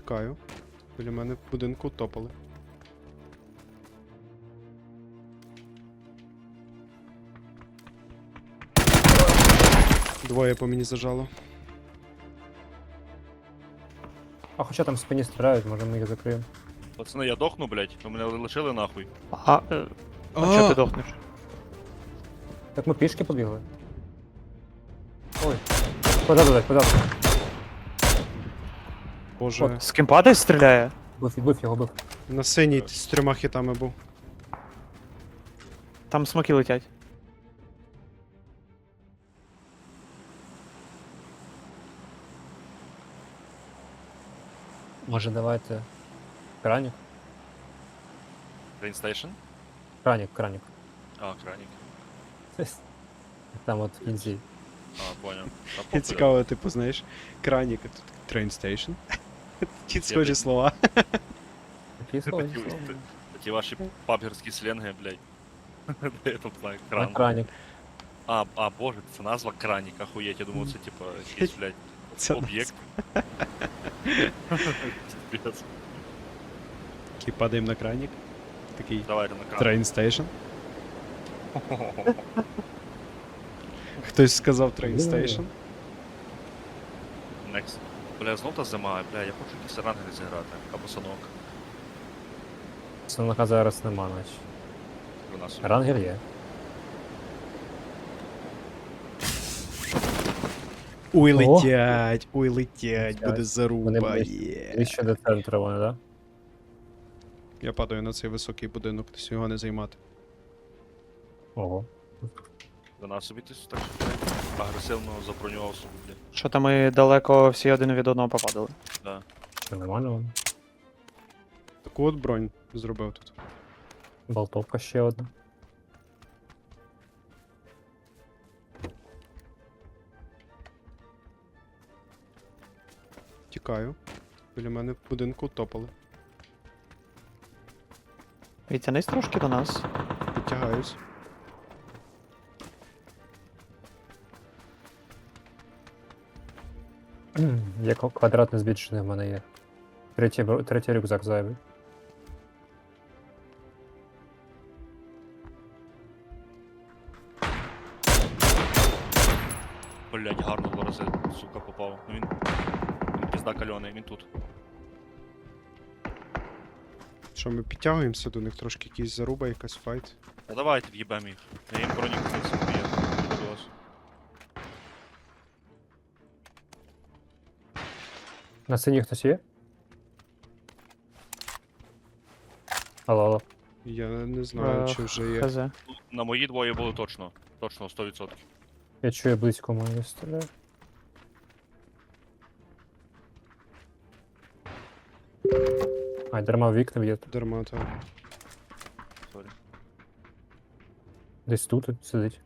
Тікаю. Біля мене в будинку топали. Двоє по мені зажало. А хоча там в спині стріляють, може ми їх закриємо. Пацани, я дохну, блядь, ви мене лишили нахуй. А чого ти дохнеш? Так ми пішки побігли. Ой. Куди? Боже, З ким падає стріляє? Бив його, бив. на синій з 3 хітами був. Там смоки летять. Може давайте. Кранік? Train Кранік. А, кранік. Там от в кінці. А, поняв. Та І похуй, цікаво, типу, знаєш, кранік, а тут train station. Ті схожі блін. слова. Такі слова. Ті ваші пабгерські сленги, блядь. Де я там знаю, кран. Кранік. А, боже, це назва кранік, ахуєть, я думав, це типа якийсь, блядь, Це об'єкт. Пиздец. Такий падаємо на кранік. Такий Давайте на кран. train station. Хтось сказав train station. Next. Бля, знов та зима, бля, я хочу якісь ранги зіграти, або санок. Санака зараз нема, наче. У нас Рангер є. Ой, О! летять, буде Вони заруба. Ближче до центру вони, да? Я падаю на цей високий будинок, десь його не займати. Ого. до нас собі ти так агресивно забронював собі, бля. Що там ми далеко всі один від одного попадали. Да. Це нормально воно. Таку от бронь зробив тут. Болтовка ще одна. Тікаю. Біля мене в будинку топали. Відтянись трошки до нас. Підтягаюсь. Є квадратне збільшення в мене є. Третій рюкзак зайвий. Блять, гарно 2 рази, сука, попав. Ну він пізда кальоний, він тут. Що, ми підтягуємося до них трошки, якісь заруба, якась файт. Та давайте в'їбем їх. Я їм броню купив собі, я до вас. На синій хтось є? Алло. Я не знаю, чи вже є. Хз. Ну, на мої двоє були точно. Точно, 100%. Я чую близько мої стріляю. Ай, дарма в вікна б'є. Дарма, так. Сорі. Десь тут сидить.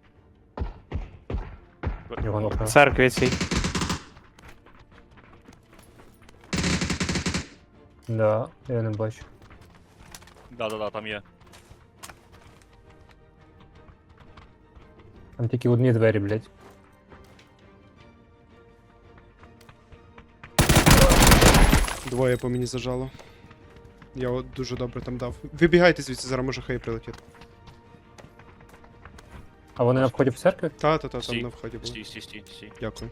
Його нокнув. В церкві цій. Да, я не бачу. Да, там є. Там тільки одні двері, блядь. Двоє по мені зажало. Я от дуже добре там дав. Вибігайте звідси, зараз може хай прилетіти. А вони на вході в церкві? Та, там Стій, на вході були. Стій. Дякую.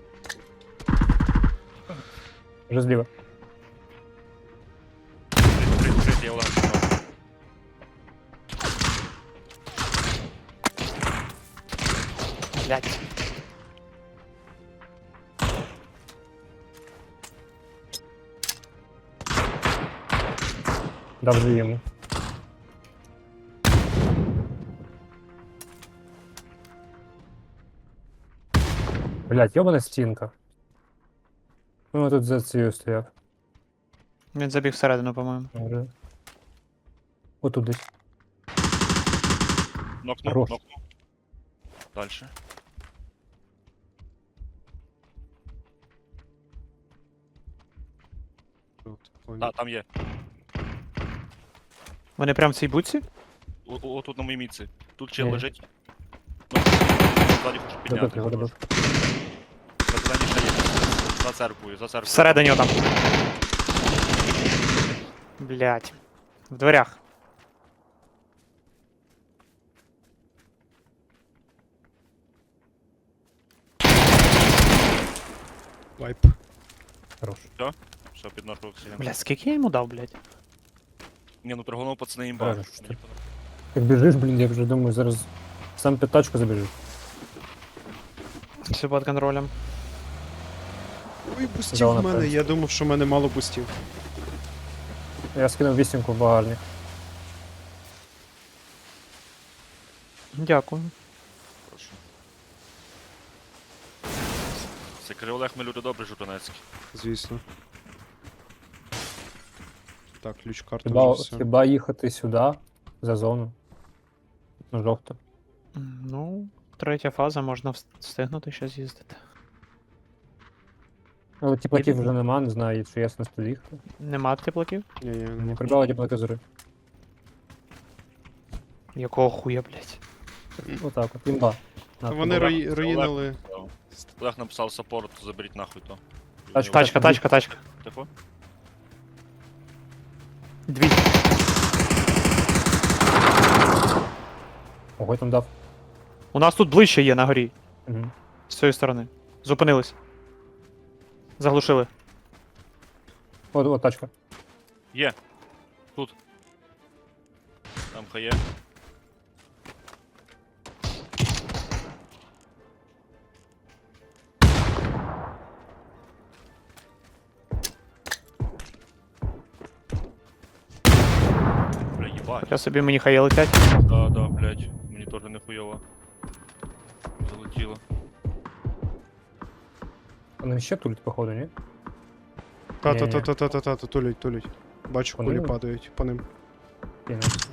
Вже зліва. Прийти, я удар. Блять. Дав же йому. Блядь, йобана стінка. Ну, тут за цією стояв. Він забіг всередину, по-моєму. Може. Отут десь. Нокнув. Хорош. Дальше. От, понял. Да, там є. Вони прям в цій буці? Отут на моїй міці. Тут чел Ні. лежить. Ну, ззаді хочу підняти. Добив його, добив. На зелені ще є. За церквою. Всередині отам. Блять. В дверях. Вайп. Хорош. Все, під нашу оксиген. Блять, скільки я йому дав, блять? Ні, ну торгонув пацани імба. Правильно, що ти. Як біжиш, блін, я вже думаю, зараз сам під тачку забіжу. Все під контролем. Ой, бустів Зона в мене, перед. я думав, що в мене мало бустів. Я скинув вісімку в багажник. Дякую. Прошу. Це Криволег, ми люди добрі, журнацькі. Звісно. Так, ключ карта Хіба, вже все. хіба їхати сюди, за зону? На жовту. Ну, третя фаза, можна встигнути ще з'їздити. Але тіплаків вже нема, не знаю, чи я сенс туди їхати. Нема теплаків? Ні-ні, Не не прибрали тіплаки зори. Якого хуя, блять? Отак от, імба. На, Вони імба. руїнили. Олег написав саппорт, заберіть нахуй то. Тачка. Тачка, тачка, тачка. Тихо. Дві. Ого, я там дав. У нас тут ближче є на горі. Угу. З цієї сторони. Зупинились. Заглушили. От тачка. Є. Тут. Там хає. Бля, їбать. Я собі мені хає летять. Да, блядь. Мені теж не хуйово. Залетіло. Вони ще тулять, походу, ні? Та-та-та-та-та-та, тулять. Бачу, По кулі ним? падають по ним. Кинув.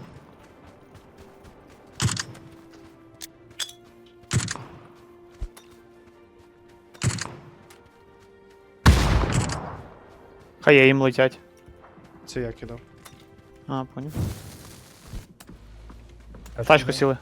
Хає їм летять. Це я кидав. А, поняв. Тачку сіли.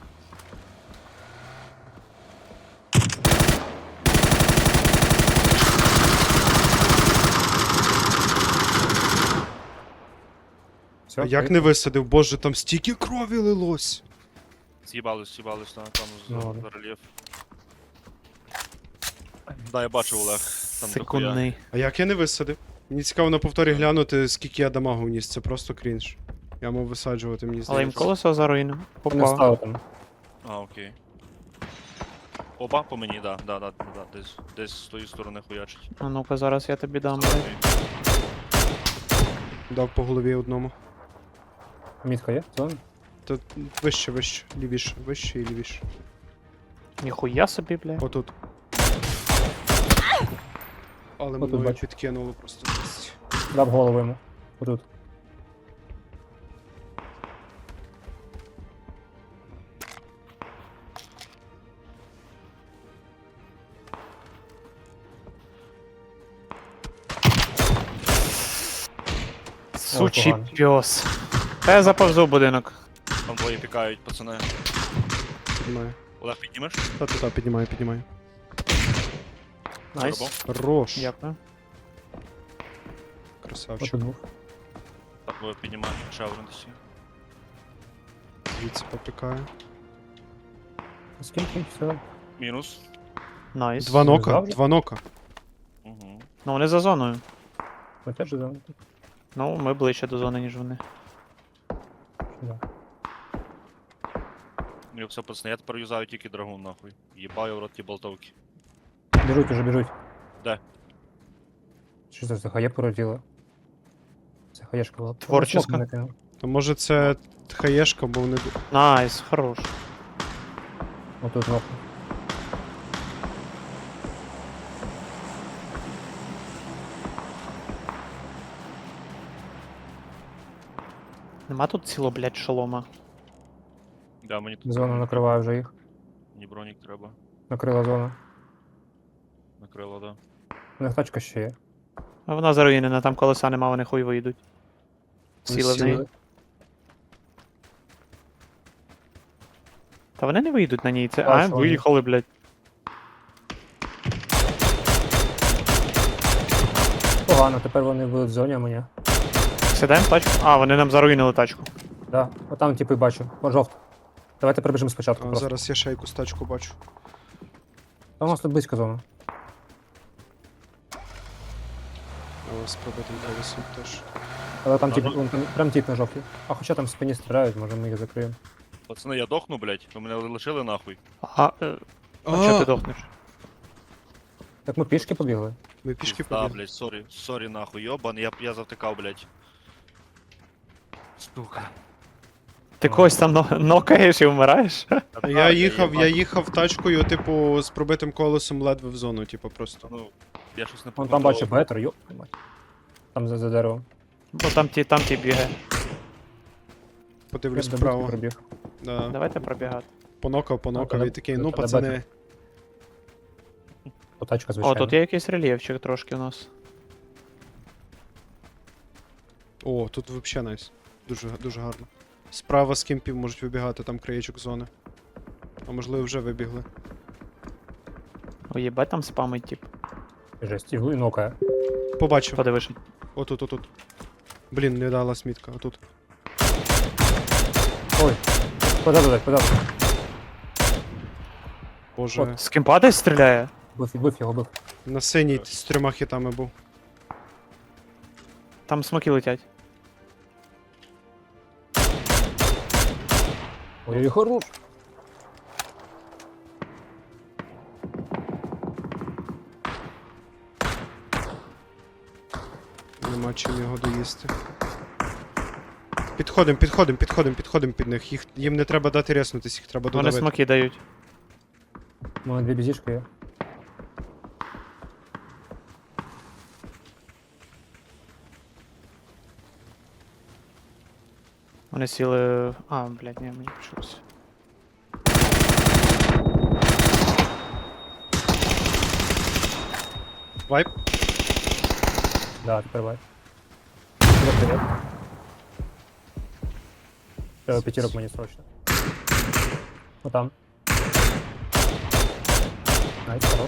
Все, А як не висадив? Боже, там стільки крові лилось. З'їбались там Ну, ладно. за рельєф. Да, я бачив, Олег. Там дохуя. Секундний. А як я не висадив? Мені цікаво на повторі глянути, скільки я дамагу вніс. Це просто крінж. Я мав висаджувати, мені Але їм здається. колесо заруїнив. Не Попав. стало там. А, окей. Оба по мені, да. Десь з тої сторони хуячить. А ну-ка, зараз я тобі дам. Окей. Дав по голові одному. Мітка є? Зона? Та вище, лівіше, вище і лівіше. Ніхуя собі, бля. Отут. Але Отут мною бачу. підкинуло просто. жесть. Дав голову йому. Отут. Сучий погано. пьос. Та я заповзу в будинок. Там двоє пікають, пацани. Піднімаю. Олег, піднімеш? Та-та-та, піднімаю. Найс. Зробив? Хорош. Дякую. Красавчик. Отут двох. Так, ви піднімаєте ще один десь. Звідси попікаю. Скільки? Все. Мінус. Найс. Два нока, завжди? два нока. Угу. Ну вони за зоною. Летять же зона. Ну, ми ближче до зони, ніж вони. Да. Ну все, пацани, я тепер юзаю тільки драгун, нахуй. Їбаю в рот ті болтовки. Біжуть уже, біжуть. Де? Що це за хає породіла? Це хаєшка була. Творческа. Смок мене кинув. То може це хаєшка, бо вони. Найс, хорош. Отут ног. Нема тут ціло, блядь, шолома. Да, мені тут Зона накриває вже їх. мені бронік треба. Накрила зона. Накрило, да. У них тачка ще є. А вона заруїнена, там колеса нема, вони хуй вийдуть. Сіли в неї. Сіли. Та вони не вийдуть на ній, це. Бачу, А, вони. виїхали, блядь. Погано, тепер вони будуть в зоні, а мені. сідаємо в тачку. А, вони нам заруїнили тачку. Да. Отам типи бачу. О, жовт. Давайте прибіжимо спочатку А, просто. зараз я ще якусь тачку бачу. Та у нас тут близько зона. О, з пробитим колесом теж. Але там тип, Ага. вон там, прям тип на жовтій. А хоча там в спині стріляють, може ми їх закриємо. Пацани, я дохну, блядь. Ви мене лишили нахуй. А чого ти дохнеш? Так ми пішки побігли. Ми пішки Да, побігли. блядь, сорі нахуй, йобан, я завтикав, блядь. Сука. Ти когось там нокаєш і вмираєш? Я їхав тачкою, типу, з пробитим колесом ледве в зону, типу, просто. Ну, я щось не Вон там бачу бетер, йоп, мать. Там за деревом. Бо там ті бігає. Подивлюсь Я до вправо. будки пробіг. Да. Давайте пробігати. Понокав, треба- і такий, ну треба пацани. бетер. О, тачка, О, звичайно. тут є якийсь рельєфчик трошки у нас. О, тут взагалі найс. Дуже гарно. Справа з кемпів можуть вибігати, там краєчок зони. А можливо вже вибігли. О, єбать, там спамить, тип. Жесть, і нокає. Побачив. Подивиш. Отут. Блін, не дала смітка, отут. Ой, куди. Боже. З ким падає стріляє? Бив його, бив. На синій з 3 хітами був. Там смоки летять. Ой, хорош. Нема чим його доїсти. Підходим під них. Їм не треба дати резнутись, їх треба Вони додавити. смоки дають. У мене 2 бізішки є. Вони сіли. А, блядь, ні, мені почулося. Вайп. Да, тепер бай. Привет. Треба п'ятірок мені срочно. Отам. Найс, хорош.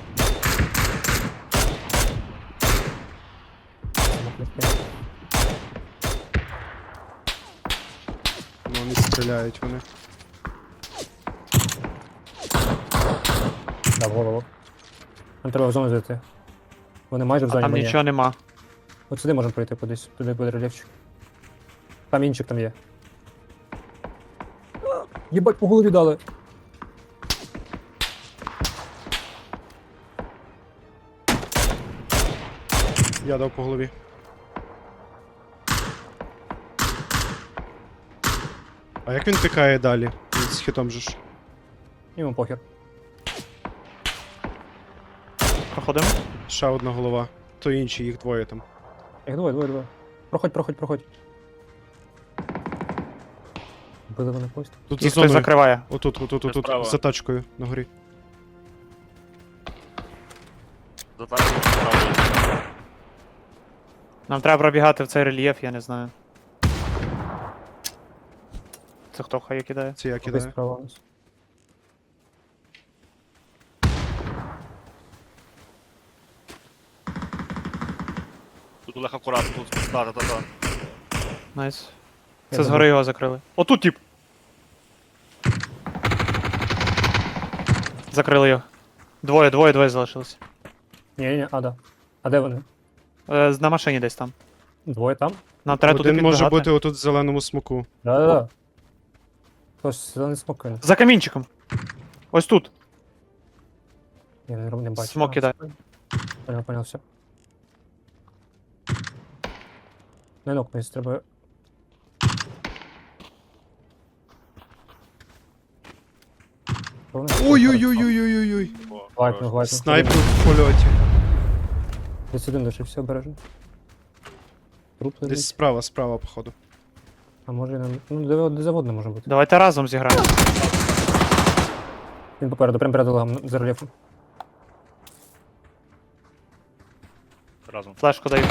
Ну, вони стріляють вони. Да, в голову. Нам треба в зону зайти. Вони майже в А зоні. там ми ні. нічого нема. От сюди можемо пройти кудись. Туди буде рельєфчик. Камінчик там є. Єбать, по голові дали. Я дав по голові. А як він пікає далі? Він з хітом же ж. Йому похер. Проходимо. Ще одна голова. То інші, їх двоє там. Їх двоє. Проходь. Били вони поїзд. Тут за Їх хтось зоною. закриває. Отут, Справа. за тачкою на горі. За так справді. Нам треба пробігати в цей рельєф, я не знаю. Це хто хай кидає? Це я Кудись кидаю. справа у нас. Тут Олег акуратно, тут. Та. Найс. Я Це згори його закрили. Отут тип! Закрили його. Двоє залишилось. Ні, а, да. А де вони? На машині десь там. Двоє там? Нам треба туди Один може підбігати. бути отут в зеленому смоку. Да. Хтось зелений смок кинув. За камінчиком. Ось тут. Я не бачу. Смок кидає. Понял, все. Не нокнись, треба. Ой-ой-ой-ой-ой-ой. О, Лайкнув, хорош. лайкнув. Снайпер в польоті. Десь один лишився обережно. Труп Десь лежить. справа, походу. А може і нам. Ну, де заводне може бути. Давайте разом зіграємо. Він попереду, прям перед логом за рельєфом. Разом. Флешку даю.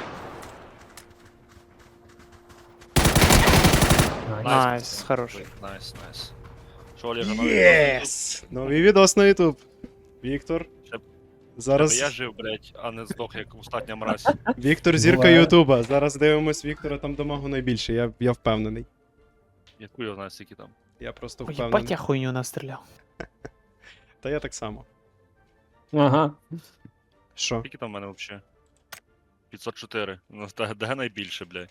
Найс. Найс, хорош. Найс. Що, Олега, новий Єс! Новий відос на YouTube. Віктор. Зараз Я жив, блядь, а не здох, як остання мразь. Віктор зірка Буває. Ютуба. Зараз дивимось Віктора, там дамагу найбільше, я впевнений. Яку я знаю, скільки там. Я просто Ой, впевнений. їбать, я хуйню настріляв. Та я так само. Ага. Що? Скільки там в мене взагалі? 504. Ну, де найбільше, блядь?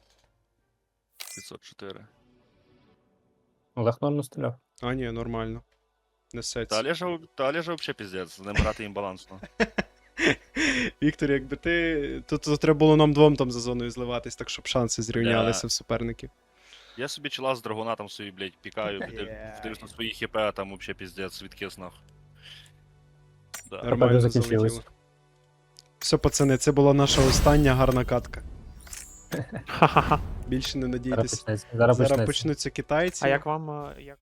504. Олег нормально стріляв. А, ні, нормально. Несеться. Та Олежа взагалі піздець, з ним грати імбалансно. Віктор, якби ти. Тут треба було нам двом там за зоною зливатись, так щоб шанси зрівнялися в суперників. Я собі чела з драгуна там собі, блядь, пікаю, вдивлюсь на свої хп, а там взагалі піздець, відкис нахуй. Да. Нормально закінчилось. залетіло. Все, пацани, це була наша остання гарна катка. Ха-ха-ха. Більше не Зараз надійтесь. почнеться. Зараз Зараз почнеться. почнуться китайці. А як вам. Як...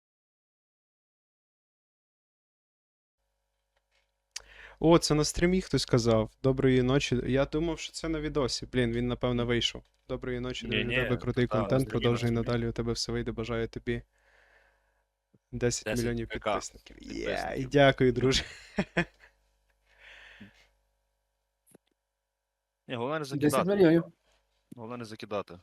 О, це на стрімі хтось казав. Доброї ночі. Я думав, що це на відосі. Блін, він напевно вийшов. Доброї ночі, Ні-ні, у тебе крутий та, на контент. стрімі, Продовжуй на стрімі. надалі, у тебе все вийде. Бажаю тобі 10 10 мільйонів ПК підписників. Є, і підписників. дякую, друже. Ні, головне не 10 закидати. мільйонів. Головне не закидати.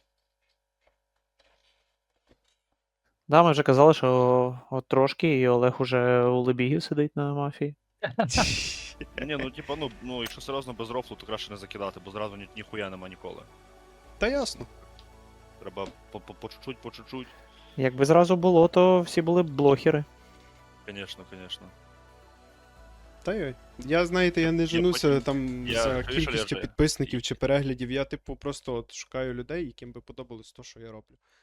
Да, ми вже казали, що от трошки, і Олег уже у Лебігів сидить на мафії. Ні, ну типа, ну, якщо серйозно без рофлу, то краще не закидати, бо зразу ніхуя нема ніколи. Та ясно. Треба по чуть-чуть, по чуть-чуть. Якби зразу було, то всі були б блохери. Конечно, конечно. Та йой. Я, знаєте, я не женуся потім- там я за чуєш, кількістю Олеже? підписників чи переглядів. Я, типу, просто от шукаю людей, яким би подобалось то, що я роблю.